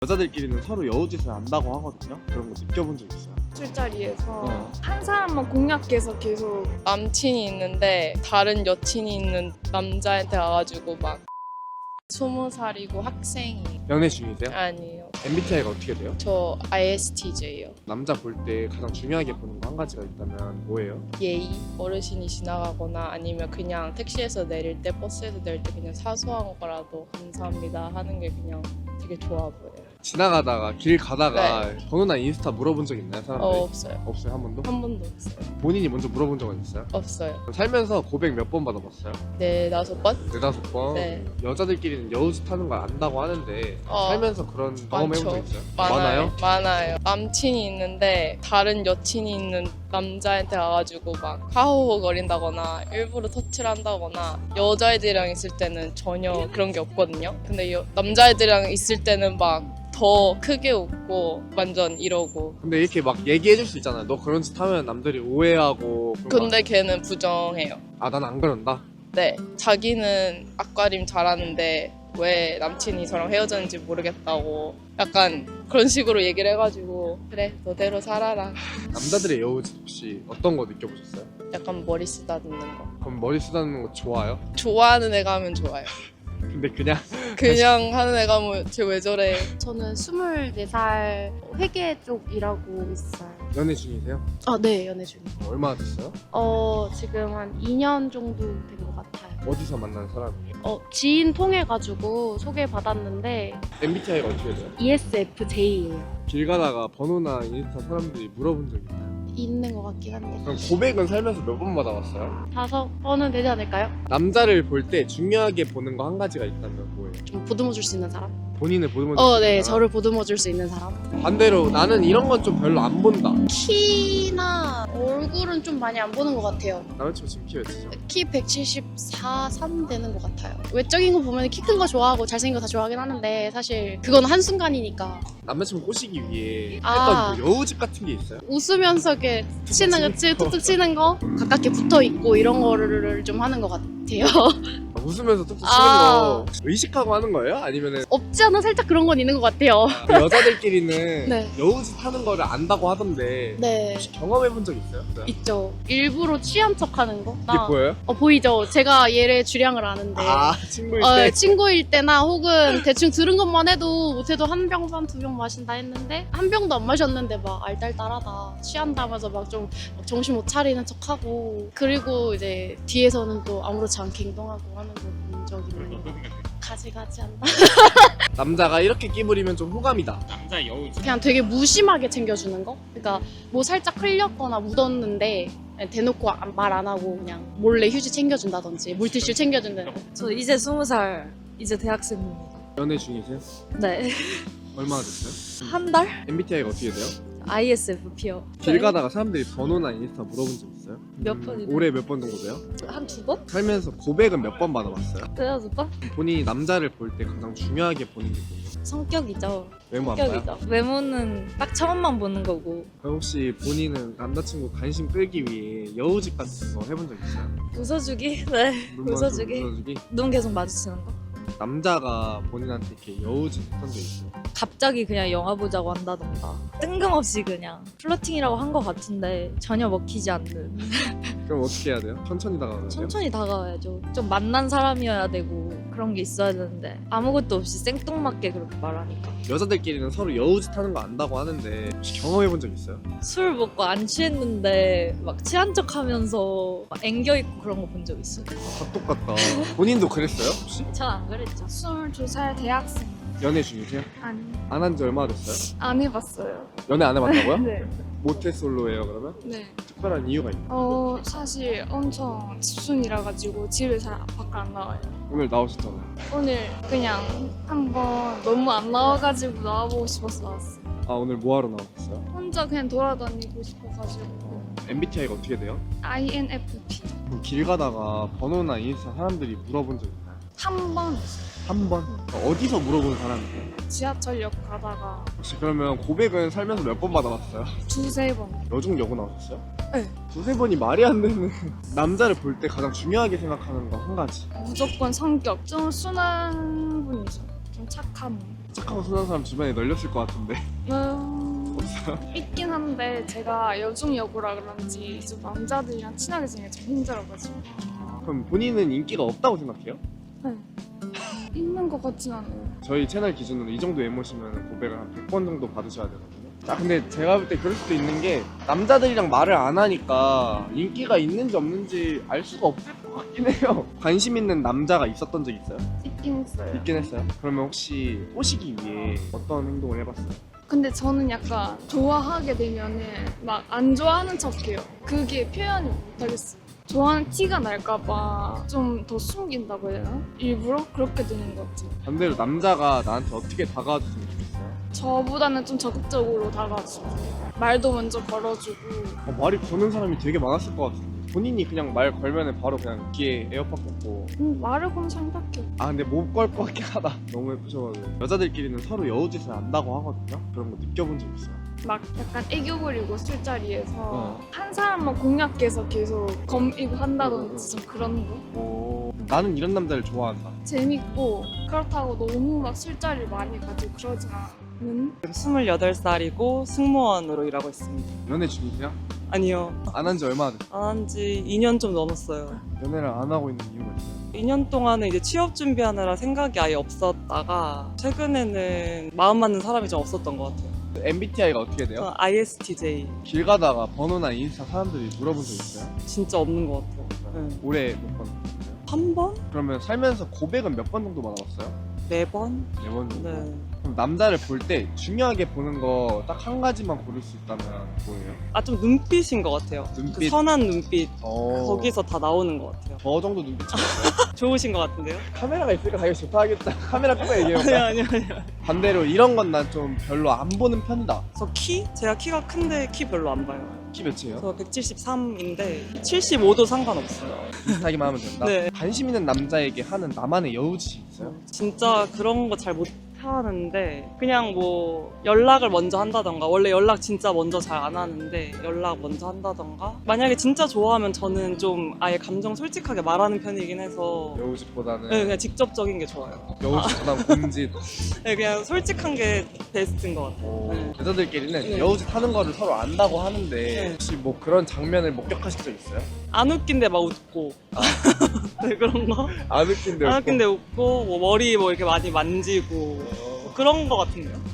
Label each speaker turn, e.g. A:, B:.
A: 여자들끼리는 서로 여우짓을 안다고 하거든요. 그런 거 느껴본 적 있어요?
B: 술자리에서 한 사람만 공략해서 계속
C: 남친이 있는데 다른 여친이 있는 남자한테 와가지고 막 20살이고 학생이
A: 연애 중이세요?
C: 아니에요.
A: MBTI가 어떻게 돼요?
C: 저 ISTJ예요.
A: 남자 볼 때 가장 중요하게 보는 거 한 가지가 있다면 뭐예요?
C: 예의, 어르신이 지나가거나 아니면 그냥 택시에서 내릴 때 버스에서 내릴 때 그냥 사소한 거라도 감사합니다 하는 게 그냥 되게 좋아 보여요.
A: 지나가다가 길 가다가 번호나 인스타 물어본 적 있나요? 사람들이?
C: 없어요.
A: 없어요? 한 번도?
C: 한 번도 없어요.
A: 본인이 먼저 물어본 적은 있어요?
C: 없어요.
A: 살면서 고백 몇 번 받아봤어요?
C: 4-5번?
A: 4-5번?
C: 네.
A: 여자들끼리는 여우짓 하는 걸 안다고 하는데
C: 어.
A: 살면서 그런 경험 해본 적
C: 많죠.
A: 있어요?
C: 많아요. 많아요. 남친이 있는데 다른 여친이 있는 남자한테 와가지고 막 하호호거린다거나 일부러 터치를 한다거나 여자애들이랑 있을 때는 전혀 그런 게 없거든요. 근데 남자애들이랑 있을 때는 막 더 크게 웃고 완전 이러고.
A: 근데 이렇게 막 얘기해줄 수 있잖아요. 너 그런 짓 하면 남들이 오해하고 그런 거
C: 근데 걔는 부정해요.
A: 아, 난 안 그런다?
C: 네, 자기는 앞가림 잘하는데 왜 남친이 저랑 헤어졌는지 모르겠다고 약간 그런 식으로 얘기를 해가지고 그래 너대로 살아라.
A: 남자들의 여우짓 혹시 어떤 거 느껴보셨어요?
C: 약간 머리 쓰다듬는 거.
A: 그럼 머리 쓰다듬는 거 좋아요?
C: 좋아하는 애가 하면 좋아요.
A: 근데 그냥
C: 하는 애가 뭐 쟤 왜 저래.
B: 저는 24살 회계 쪽 일하고 있어요.
A: 연애 중이세요?
B: 네, 연애 중이에요.
A: 얼마나 됐어요?
B: 지금 한 2년 정도 된 것 같아요.
A: 어디서 만난 사람이에요?
B: 지인 통해가지고 소개받았는데
A: MBTI가 어떻게 돼요?
B: ESFJ예요.
A: 길 가다가 번호나 인스타 사람들이 물어본 적 있나요?
B: 있는 것 같긴 한데
A: 그럼 고백은 살면서 몇 번 받아봤어요?
B: 5번은 되지 않을까요?
A: 남자를 볼 때 중요하게 보는 거 한 가지가 있다면 뭐예요?
B: 좀 보듬어줄 수 있는 사람?
A: 본인을 보듬어
B: 네, 저를 보듬어줄 수 있는 사람.
A: 반대로 나는 이런 건 좀 별로 안 본다.
B: 키나 얼굴은 좀 많이 안 보는 것 같아요.
A: 남자친구 지금 키 몇이죠?
B: 키 174, 3 되는 것 같아요. 외적인 거 보면 키 큰 거 좋아하고 잘생긴 거 다 좋아하긴 하는데 사실 그건 한순간이니까.
A: 남자친구 꼬시기 위해
B: 아.
A: 했던 뭐 여우짓 같은 게 있어요?
B: 웃으면서 이렇게 치는 거, 툭툭 치는 거, 가깝게 붙어 있고 이런 거를 좀 하는 것 같아요.
A: 웃으면서 툭툭 치는
B: 아.
A: 거 의식하고 하는 거예요? 아니면은
B: 없지 않아 살짝 그런 건 있는 것 같아요.
A: 그 여자들끼리는
B: 네.
A: 여우짓 하는 거를 안다고 하던데
B: 네,
A: 혹시 경험해본 적 있어요?
B: 있죠. 일부러 취한 척 하는 거.
A: 이게 보여요?
B: 보이죠? 제가 얘의 주량을 아는데.
A: 아, 친구일 때?
B: 친구일 때나 혹은 대충 들은 것만 해도 못해도 한 병 반 2병 마신다 했는데 한 병도 안 마셨는데 막 알딸딸하다 취한다면서 막 좀 정신 못 차리는 척하고 그리고 이제 뒤에서는 또 아무렇지 않게 행동하고 하는 거 본 적이 있는 거 가지가지 않나?
A: 남자가 이렇게 끼부리면 좀 호감이다.
D: 남자 여우짓.
B: 그냥 되게 무심하게 챙겨주는 거? 그러니까 뭐 살짝 흘렸거나 묻었는데 대놓고 말 안 하고 그냥 몰래 휴지 챙겨준다든지 물티슈 챙겨준다든지.
E: 저 이제 20살, 이제 대학생입니다.
A: 연애 중이세요?
E: 네.
A: 얼마나 됐어요?
E: 한 달?
A: MBTI가 어떻게 돼요?
E: ISFP요.
A: 길 가다가 사람들이 번호나 인스타 물어본 적 있어요?
E: 몇 번이나?
A: 올해 몇 번 정도 돼요?
E: 한 2번?
A: 살면서 고백은 몇 번 받아봤어요?
E: 3-4번?
A: 본인이 남자를 볼 때 가장 중요하게 보는 게 뭐예요?
E: 성격이죠.
A: 외모 안 봐요?
E: 성격이죠. 외모는 딱 처음만 보는 거고.
A: 그럼 혹시 본인은 남자친구 관심 끌기 위해 여우짓 같은 거 해본 적 있어요?
E: 웃어주기? 네.
A: 눈 마주치고
E: 웃어주기.
A: 웃어주기?
E: 눈 계속 마주치는 거.
A: 남자가 본인한테 이렇게 여우짓 했던 게 있어요?
E: 갑자기 그냥 영화 보자고 한다던가. 뜬금없이 그냥 플러팅이라고 한 거 같은데 전혀 먹히지 않는.
A: 그럼 어떻게 해야 돼요? 천천히 다가가야 돼요?
E: 천천히 다가와야죠. 좀 만난 사람이어야 되고 그런 게 있어야 되는데 아무것도 없이 생뚱맞게 그렇게 말하니까.
A: 여자들끼리는 서로 여우짓 하는 거 안다고 하는데 혹시 경험해본 적 있어요?
E: 술 먹고 안 취했는데 막 취한 척 하면서 막 앵겨 있고 그런 거 본 적 있어요.
A: 다 똑같다. 본인도 그랬어요 혹시?
E: 전 안 그랬죠.
B: 22살 대학생.
A: 연애 중이세요?
B: 아니,
A: 안 한 지 얼마나 됐어요?
B: 안 해봤어요.
A: 연애 안 해봤다고요?
B: 네.
A: 모태솔로예요 그러면?
B: 네.
A: 특별한 이유가 있나요?
B: 사실 엄청 집순이라 가지고 집을 잘 밖에 안 나와요.
A: 오늘 나오셨잖아요.
B: 오늘 그냥 한번 너무 안 나와가지고 나와보고 싶어서 나왔어요.
A: 아, 오늘 뭐하러 나오셨어요?
B: 혼자 그냥 돌아다니고 싶어가지고.
A: MBTI가 어떻게 돼요?
B: INFP.
A: 그럼 길 가다가 번호나 인스타 사람들이 물어본 적 있나요?
B: 한 번
A: 한 번? 어디서 물어본 사람이에요?
B: 지하철역 가다가
A: 혹시 그러면 고백은 살면서 몇 번 받아봤어요?
B: 2-3번.
A: 여중 여고 나오셨어요?
B: 네.
A: 2-3번이 말이 안 되는 남자를 볼 때 가장 중요하게 생각하는 거 한 가지.
B: 무조건 성격. 좀 순한 분이죠. 좀 착한 분.
A: 착하고 순한 사람 주변에 널렸을 것 같은데.
D: 있긴 한데 제가 여중 여고라 그런지 좀 남자들이랑 친하게 지내기 좀 힘들어가지고
A: 그럼 본인은 인기가 없다고 생각해요?
D: 있는 것 같진 않아요.
A: 저희 채널 기준으로 이 정도 외모시면 고백을 한 100번 정도 받으셔야 되거든요. 아 근데 제가 볼 때 그럴 수도 있는 게 남자들이랑 말을 안 하니까 인기가 있는지 없는지 알 수가 없을 것 같긴 해요. 관심 있는 남자가 있었던 적 있어요?
D: 있긴 했어요.
A: 있긴 했어요. 그러면 혹시 꼬시기 위해 어떤 행동을 해봤어요?
D: 근데 저는 약간 좋아하게 되면은 막 안 좋아하는 척해요. 그게 표현을 못하겠어요. 좋아하는 티가 날까봐 좀 더 숨긴다고 해야 되나? 일부러 그렇게 되는 것 같아요.
A: 반대로 남자가 나한테 어떻게 다가와줬으면 좋겠어요?
D: 저보다는 좀 적극적으로 다가와주고 말도 먼저 걸어주고
A: 말이 거는 사람이 되게 많았을 것 같은데 본인이 그냥 말 걸면은 바로 그냥 귀에 에어팟 꽂고
D: 말을 거는 사람밖에 없어요.
A: 아 근데 못 걸 것 같긴 하다. 너무 예쁘셔가지고 여자들끼리는 서로 여우짓을 안다고 하거든요. 그런 거 느껴본 적 있어요?
D: 막 약간 애교 부리고 술자리에서
A: 어.
D: 한 사람만 공략해서 계속 검이고 한다든지 좀 그런 거
A: 나는 이런 남자를 좋아한다.
D: 재밌고 그렇다고 너무 막 술자리를 많이 가지고 그러진 않은
F: 28살이고 승무원으로 일하고 있습니다.
A: 연애 중이세요?
F: 아니요.
A: 안 한 지 얼마나 됐어요?
F: 안 한 지 2년 좀 넘었어요.
A: 연애를 안 하고 있는 이유가 있어요?
F: 2년 동안은 이제 취업 준비하느라 생각이 아예 없었다가 최근에는 마음 맞는 사람이 좀 없었던 것 같아요.
A: MBTI가 어떻게 돼요?
F: 저는 ISTJ.
A: 길 가다가 번호나 인스타 사람들이 물어본 적 있어요?
F: 진짜 없는 것 같아요. 네.
A: 올해 몇 번? 있어요?
F: 한 번?
A: 그러면 살면서 고백은 몇 번 정도 받아봤어요?
F: 4번?
A: 4번 정도?
F: 네.
A: 그럼 남자를 볼 때 중요하게 보는 거 딱 한 가지만 고를 수 있다면 뭐예요?
F: 아, 좀 눈빛인 것 같아요.
A: 눈빛?
F: 그 선한 눈빛.
A: 어...
F: 거기서 다 나오는 것 같아요.
A: 저 정도 눈빛이
F: 좋으신 것 같은데요?
A: 카메라가 있으니까 당연히 좋다 하겠다. 카메라 끄고
F: 아니요,
A: 얘기해볼까?
F: 아니요.
A: 반대로 이런 건 난 좀 별로 안 보는 편이다.
F: 저 키? 제가 키가 큰데 키 별로 안 봐요.
A: 키 몇이에요?
F: 저 173인데 75도 상관없어요.
A: 비슷하기만 하면 된다.
F: 네.
A: 관심 있는 남자에게 하는 나만의 여우짓이 있어요?
F: 진짜 그런 거 잘 못하는데 그냥 뭐 연락을 먼저 한다던가 원래 연락 진짜 먼저 잘 안 하는데 연락 먼저 한다던가 만약에 진짜 좋아하면 저는 좀 아예 감정 솔직하게 말하는 편이긴 해서
A: 여우짓보다는
F: 네, 그냥 직접적인 게 좋아요.
A: 여우짓보다는 곰짓.
F: 네, 그냥 솔직한 게 베스트인 것 같아요. 네.
A: 여자들끼리는
F: 네.
A: 여우짓 하는 거를 서로 안다고 하는데
F: 네.
A: 혹시 뭐 그런 장면을 목격하신 적 있어요?
F: 안 웃긴데 막 웃고 네, 그런 거?
A: 안 웃긴데
F: 안 웃긴데 웃고 뭐 머리 뭐 이렇게 많이 만지고 뭐 그런 거 같은데요.